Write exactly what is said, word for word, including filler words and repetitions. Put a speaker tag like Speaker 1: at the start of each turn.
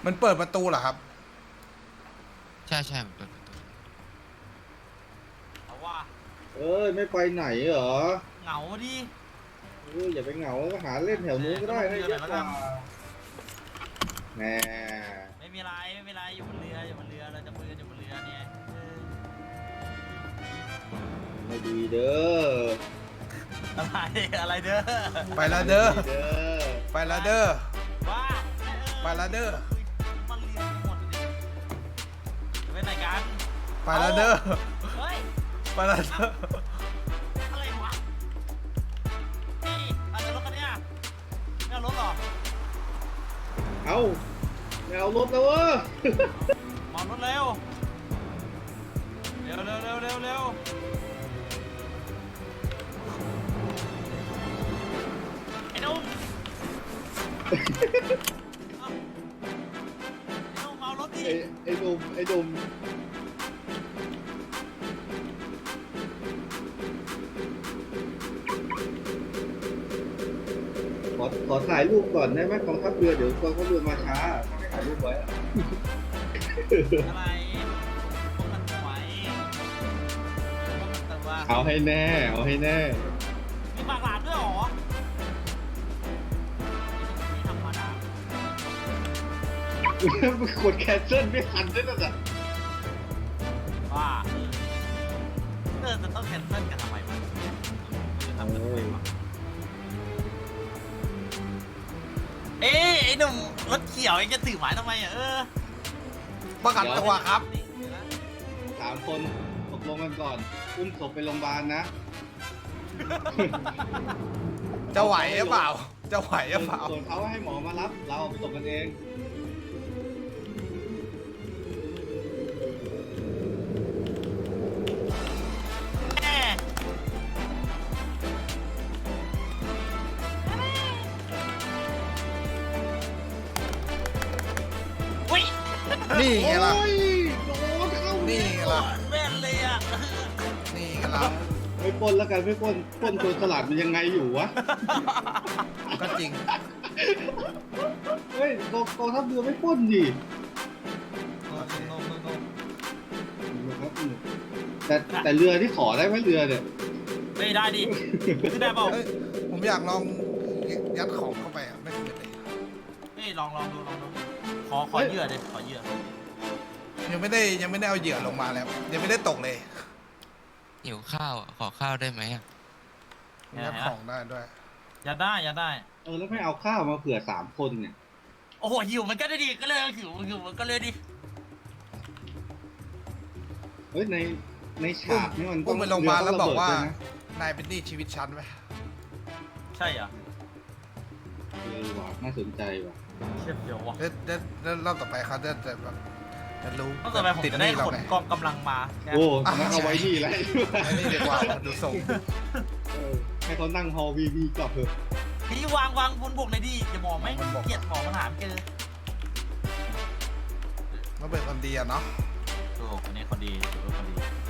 Speaker 1: มันเปิดประตูเหรอครับ
Speaker 2: ใช่ใช่มันเปิดประตู
Speaker 3: เอาว่า
Speaker 4: เอ้ยไม่ไปไหนเหรอ
Speaker 3: เหงาดิ
Speaker 4: เอออย่าไปเหงาก็หาเล่นแถวนู้นก็ได้นะเยอะกว่าแหม
Speaker 3: ไม่มีไรไม่มีไรอยู่บนเรืออยู่บนเรือเราจะคุยกันอยู่บนเรือเนี่ยเออ
Speaker 4: ไม่ดีเด้อ
Speaker 3: อะไรอะไรเด้อ
Speaker 1: ไปละเด้อ
Speaker 4: ไม่ดีเด้อ
Speaker 1: ไปละเด้อ
Speaker 3: ว่า
Speaker 1: ไปละเด้อ
Speaker 3: มันเรียนหมดดิจะไปไหนกัน
Speaker 1: ไปละเด้อ
Speaker 3: เฮ้ย
Speaker 1: ไปละเด้อ
Speaker 3: อะไรวะนี่อะไรรถคันเนี้ยไม่เอารถหรอ
Speaker 4: เอาไม่เอารถแล้วเว้ย
Speaker 3: มองรถเร็วเร็วเร็วเร็วเร็วเร็วไอ้หนุ่มเอ้าไอ้หนุ่มเอารถดิ
Speaker 4: ไอ้ไอ้หนุ่มไอ้หนุ่มขอขอถ่ายรูปก่อนได้ไหมกองทัพเรือเดี๋ยวกองทัพเรือมาช้าไม่ถ่ายรูปไว้อะ
Speaker 3: อะไรพวกมันสวยพวกมันแต่ว่า
Speaker 4: เอาให้แน่เอาให้แน่
Speaker 3: มีปากหลานด้วยเหรอไม่ธรรมดา
Speaker 4: กดแคนเซิลไม่ทันด้วยนะจ๊ะ
Speaker 3: ว่าเออจะต้องแคนเซิลกันทำไมวะทำกันทำไมวะเอ๊ะไอ้หนุ่มรถเขียวไอ้จะถือหมายทำไมอ่ะเออ
Speaker 1: ประกันตัวครับ
Speaker 4: สามคนตกลงกันก่อนอุ้มศพไปโรงพยาบาลนะ
Speaker 1: จะไหวหรือเปล่า จะไหวหรือเปล่า
Speaker 4: ส่วนเขาให้หมอมารับ เราเอาไปส่งกันเอง
Speaker 3: แม่อุ้ย
Speaker 1: นี่ไงล่ะ
Speaker 4: โอ้ยโดนเข้า
Speaker 1: นี่ไงล่ะ
Speaker 3: แม่นเลยอ่ะ
Speaker 1: นี่ไงล่ะ
Speaker 4: ไม่ปล้นแล้วกันไม่ปล้นปล้นตัวสลัดมันยังไงอยู่วะ
Speaker 1: ก็จริง
Speaker 4: เฮ้ยกองกองทัพเรือไม่ปล้นดิ
Speaker 3: งงงงง
Speaker 4: นะครับแต่แต่เรือที่ขอได้ไหมเรือเนี่ย
Speaker 3: ไม่ได้ดิคือได้เปล่า
Speaker 1: เฮ้ย ผมอยากลองยัดของเข้าไปอ่ะ ไม่เคยเลย
Speaker 3: เฮ้ยลองลองดูลองดูขอขอเหยื่อเลยขอเหยื่อ
Speaker 1: ยังไม่ได้ยังไม่ได้เอาเหยื่อลงมาแล้ว ยังไม่ได้ตกเลย
Speaker 2: หิวข้าวอ่ะขอข้าวได้ไหมอ่ะ
Speaker 1: ยัดของได้ด้วย
Speaker 3: อย่าได้อย่าได้
Speaker 4: เออแล้วไม่เอาข้าวมาเผื่อสามคนเนี่ย
Speaker 3: โอ้โหหิวมันก็ได้ดิก็เลยหิวหิวมันก็เลยดิ
Speaker 4: เฮ้ยในในฉากนี่มัน
Speaker 1: อุ้มไปโรงพยาบาลแล้วบอกว่า
Speaker 4: เรืต้งระเบิดด้วยนะ
Speaker 1: นายเป็นหนี้ชีวิตฉันไหม
Speaker 3: ใช่เหรอ
Speaker 4: เออว่ะน่าสนใจว่ะ
Speaker 3: เชี่ยเดี๋ยววะ
Speaker 1: แล้วแล้วแล้วรอบต่อไปเขาจะจะแบบจะรู้
Speaker 3: ต้องต่อไปผม
Speaker 1: ติด
Speaker 3: จะ
Speaker 1: ห
Speaker 3: ได้
Speaker 1: นี้เรา
Speaker 3: ขน
Speaker 1: ไง
Speaker 3: กองกำลังมาแค่
Speaker 4: โอ้งั้นเอาไว้นี่แหละ
Speaker 1: ไอ้นี่ดีกว่าดูทรง
Speaker 4: เออให้เขานั่งฮอวีวีกลับเถอะ
Speaker 3: พี่วางวางบนบกเลยดิจะบอกไม่เกลียดหมอมันหามเจอ
Speaker 1: มันเป็นคนดีอะเนาะ
Speaker 3: โอ้คนนี้คนดีถือว่าคนดี